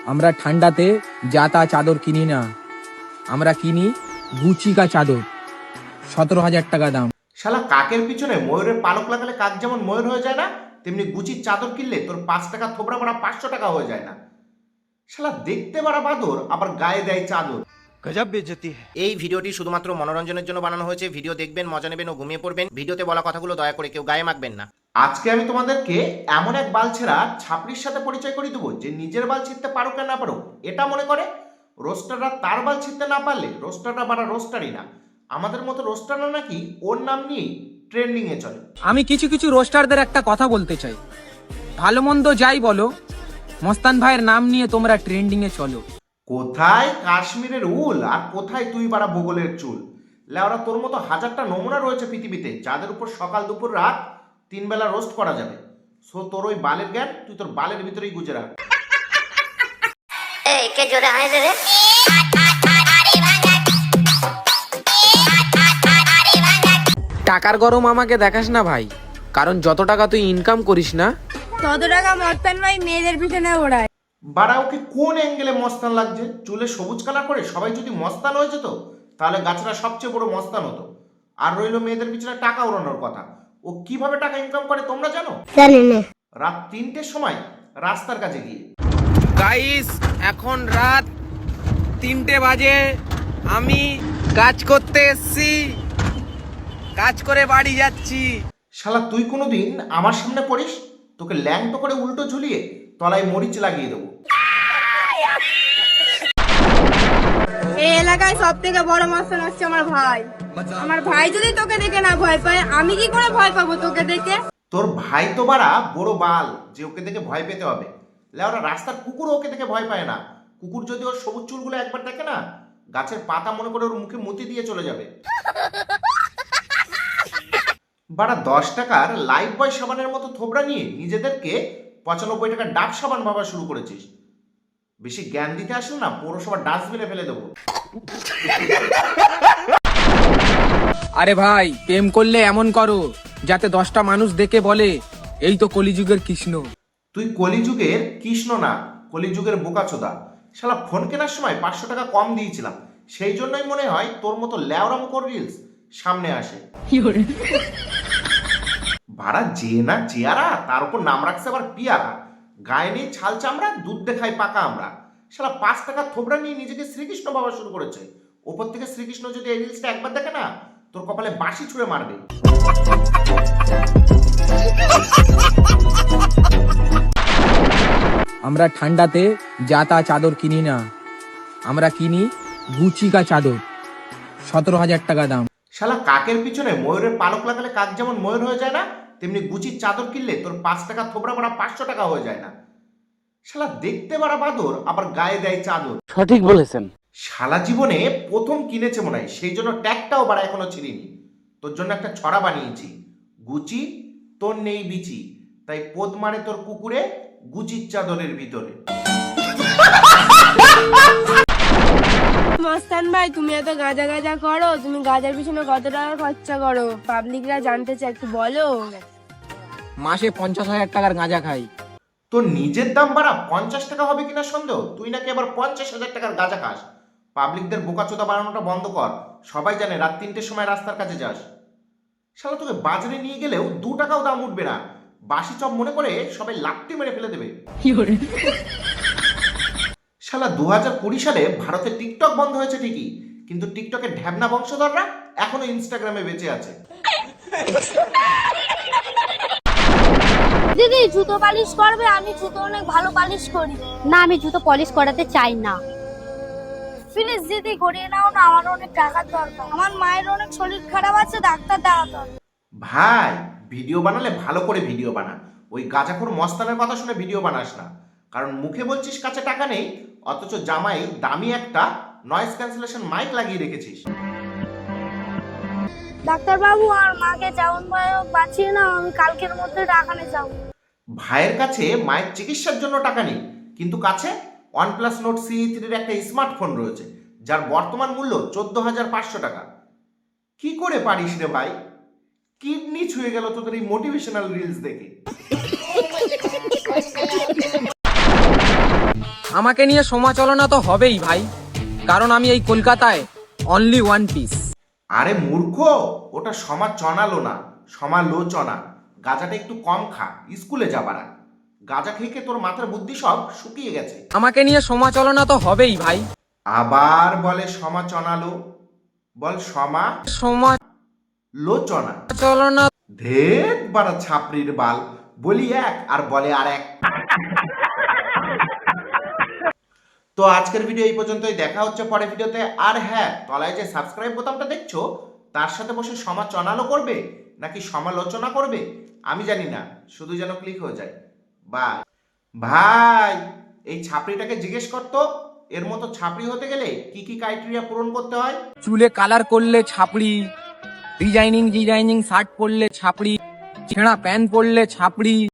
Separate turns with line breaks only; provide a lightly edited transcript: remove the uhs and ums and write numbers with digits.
আমরা ঠান্ডাতে যা তা চাদর কিনি না, আমরা কিনি গুচি কা চাদর, 17,000 টাকা দাম।
শালা কাকের পিছনে ময়ূরের পালক লাগালে কাক যেমন ময়ূর হয়ে যায় না, তেমনি গুচির চাদর কিনলে তোর 5 টাকা থোবড়া বাড়া 500 টাকা হয়ে যায় না। শালা দেখতে বাড়া বাদর, আবার গায়ে দেয় চাদর।
গজব বেইজ্জতি है।
এই ভিডিওটি শুধুমাত্র মনোরঞ্জনের জন্য বানানো হয়েছে। ভিডিও দেখবেন, মজা নেবেন ও ঘুমিয়ে পড়বেন। ভিডিওতে বলা কথাগুলো দয়া করে কেউ গায়ে মাখবেন না।
আজকে আমি তোমাদেরকে এমন এক বালছেরা ছাপড়ির সাথে পরিচয় করে দেবো যে নিজের বাল ছিঁড়তে পারুক আর না পারুক এটা মনে করে রোস্টাররা তার বাল ছিঁড়তে না পারলে রোস্টাররা বাড়া রোস্টারই না। আমাদের মতো রোস্টাররা নাকি ওর নাম নিয়েই ট্রেন্ডিং এ চলে।
আমি কিছু কিছু রোস্টারদের একটা কথা বলতে চাই, ভালো মন্দ যাই বলো, মস্তান ভাইয়ের নাম নিয়ে তোমরা ট্রেন্ডিং এ চলো।
কোথায় কাশ্মীরের উল আর কোথায় তুই বাড়া বগলের চুল। লেওরা তোর মতো হাজারটা নমুনা রয়েছে পৃথিবীতে যাদের উপর সকাল দুপুর রাত 3 বেলা রোস্ট করা যাবে। সো তোর ওই বালের জ্ঞান তুই তোর বালের ভিতরেই গুজে রাখ।
এই কে জোরে হায় রে।
টাকার গরম আমাকে দেখাস না ভাই, কারণ যত টাকা তুই ইনকাম করিস না
তত টাকা মস্তান ভাই মেয়েদের পিছনে ওড়ায়।
বাড়া ওকে কোন অ্যাঙ্গেলে মস্তান লাগছে? চুলে সবুজ কালার করে সবাই যদি মস্তান হয়ে যেত তাহলে গাছটা সবচেয়ে বড় মস্তান হতো। আর রইলো মেয়েদের পিছনে টাকা ওড়ানোর কথা। ও কিভাবে টাকা ইনকাম করে তোমরা জানো?
জানি না।
রাত 3টের সময় রাস্তার কাছে গিয়ে।
গাইস, এখন রাত 3টে বাজে, আমি কাজ করতে এসছি, কাজ করে বাড়ি যাচ্ছি।
শালা তুই কোনোদিন আমার সামনে পড়িস, তোকে ল্যাংটো করে উল্টো ঝুলিয়ে তলায় মরিচ লাগিয়ে দেবো।
এই এলাকায় সব থেকে বড় মস্তান হচ্ছে আমার ভাই। আমার ভাই যদি তোকে দেখে না ভয় পায়, আমি কি করে ভয় পাবো তোকে দেখে?
তোর ভাই তো বাড়া বড় বাল যে ওকে দেখে ভয় পেতে হবে। লেওরা রাস্তার কুকুর ওকে দেখে ভয় পায় না। কুকুর যদি ওর সবুজ চুলগুলো একবার দেখে না, গাছের পাতা মনে করে ওর মুখে মুতি দিয়ে চলে যাবে। বাড়া 10 টাকার লাইফ বয় সাবানের মতো থোবড়া নিয়ে নিজেদেরকে 95 টাকার ডাব সাবান ভাবা শুরু করেছিস। বেশি জ্ঞান দিতে আসলে না পৌরসভার ডাস্টবিনে ফেলে দেবো।
আরে ভাই, প্রেম করলে এমন করো যাতে 10টা মানুষ দেখে বলে এই তো কলিযুগের কৃষ্ণ।
তুই কলিযুগের কৃষ্ণ না, কলিযুগের বোকাচোদা। শালা ফোন কেনার সময় 500 টাকা কম দিয়েছিলাম, সেই জন্যই মনে হয় তোর মতো ল্যাওরামকর রিলস সামনে আসে। ভাড়া যে না চেয়ারা, তার উপর নাম রাখছে আবার পিয়ারা। গায়ে নেই ছাল চামড়া, দুধ দেখায় পাকা আমরা। শালা 5 টাকা থোবড়া নিয়ে নিজেকে শ্রীকৃষ্ণ বাবা শুরু করেছে। ওপর থেকে শ্রীকৃষ্ণ যদি এই রিলসটা একবার দেখে না, তোর কপালে বাঁশি ছুঁড়ে মারবে।
আমরা ঠান্ডাতে যা তা চাদর কিনি না, আমরা কিনি গুচি কা চাদর, 17,000 টাকা দাম।
শালা কাকের পিছনে ময়ূরের পালক লাগালে কাক যেমন ময়ূর হয়ে যায় না, তেমনি গুচির চাদর কিনলে তোর 5 টাকা থোবড়া বাড়া 500 টাকা হয়ে যায় না। শালা দেখতে বাড়া বাদর, আবার গায়ে দেয় চাদর।
সঠিক বলেছেন।
শালা জীবনে প্রথম কিনেছে মনে হয়, সেই জন্য ট্যাগটাও বাড়া এখনো ছিঁড়িনি। তোর জন্য একটা ছড়া বানিয়েছি, গুচি তোর নেই বিচি, তাই পোদ মারে তোর কুকুরে গুচির চাদরের ভিতরে।
মস্তান ভাই তুমি এত গাঁজা গাঁজা করো, তুমি গাঁজার পিছনে কত টাকা খরচা করো? পাবলিকরা জানতে চায়, একটু বলো।
মাসে 50,000 টাকার গাঁজা খাই।
তোর নিজের দাম বাড়া 50 টাকা হবে কিনা সন্দেহ, তুই নাকি আবার 50,000 টাকার গাঁজা খাস। পাবলিকদের বোকাচোদা বানানোটা বন্ধ কর। সবাই জানে রাত 3টের সময় রাস্তার কাছে যাস। শালা তোকে বাজারে নিয়ে গেলেও 2 টাকাও দাম উঠবে না। বাসি চপ মনে করে সবাই লাত্তি মেরে ফেলে দেবে। শালা 2020 সালে ভারতে টিকটক বন্ধ হয়েছে ঠিকই, কিন্তু টিকটকের ঢ্যাবনা বংশধররা এখনো ইনস্টাগ্রামে বেঁচে আছে।
দিদি জুতো পালিশ করবে? আমি জুতো অনেক ভালো পালিশ করি। না, আমি জুতো পলিশ করাতে চাই না। প্লিজ দিদি করিয়ে নাও না, আমার অনেক টাকার দরকার। আমার মায়ের অনেক শরীর খারাপ আছে, ডাক্তার দেখাতে হবে।
ভাই ভিডিও বানালে ভালো করে ভিডিও বানা, ওই গাঁজাখোর মস্তানের কথা শুনে ভিডিও বানাস না। কারণ মুখে বলছিস কাছে টাকা নেই, অথচ জামাই দামি একটা নয়েজ ক্যান্সেলেশন মাইক লাগিয়ে রেখেছিস।
ডাক্তার বাবু আর মাকে যেমন ভয় হোক বাঁচিয়ে নাও, আমি কালকের মধ্যে টাকা নিয়ে যাবো।
ভাইয়ের কাছে মায়ের চিকিৎসার জন্য টাকা নেই, কিন্তু কাছে OnePlus Nord CE3 একটা স্মার্টফোন রয়েছে যার বর্তমান মূল্য 14,500 টাকা। কি করে পারিস রে ভাই? কিডনি ছুঁয়ে গেল তোদের এই মোটিভেশনাল রিলস দেখে।
আমাকে নিয়ে সমালোচনা তো হবেই ভাই, কারণ আমি এই কলকাতায় অনলি ওয়ান পিস।
আরে মূর্খ, ওটা সমালোচনালো না, সমালোচনা। গাঁজাটা একটু কম খা, স্কুলে যাবারা। গাঁজা খেয়ে খেয়ে তোর মাথার বুদ্ধি সব শুকিয়ে গেছে।
আমাকে নিয়ে সমালোচনা তো হবেই ভাই।
আবার বলে সমালোচনালো, বল সমালোচনা।
সমালোচনা।
ধেত বাড়া ছাপড়ির বাল, বলি এক আর বলে আর এক। তো আজকের ভিডিও এই পর্যন্তই, দেখা হচ্ছে পরের ভিডিওতে। আর হ্যাঁ, তলায় যে সাবস্ক্রাইব বোতামটা দেখছো তার সাথে বসে সমালোচনা করবে নাকি সমালোচনা করবে আমি জানি না, শুধু যেন ক্লিক হয়ে যায়। বাই ভাই, এই ছাপড়িটাকে জিজ্ঞেস করতো এর মতো ছাপড়ি হতে গেলে কি কি ক্রাইটেরিয়া পূরণ করতে হয়।
চুলে কালার করলে ছাপড়ি, ডিজাইনিং শার্ট পরলে ছাপড়ি, ছেঁড়া প্যান্ট পরলে ছাপড়ি।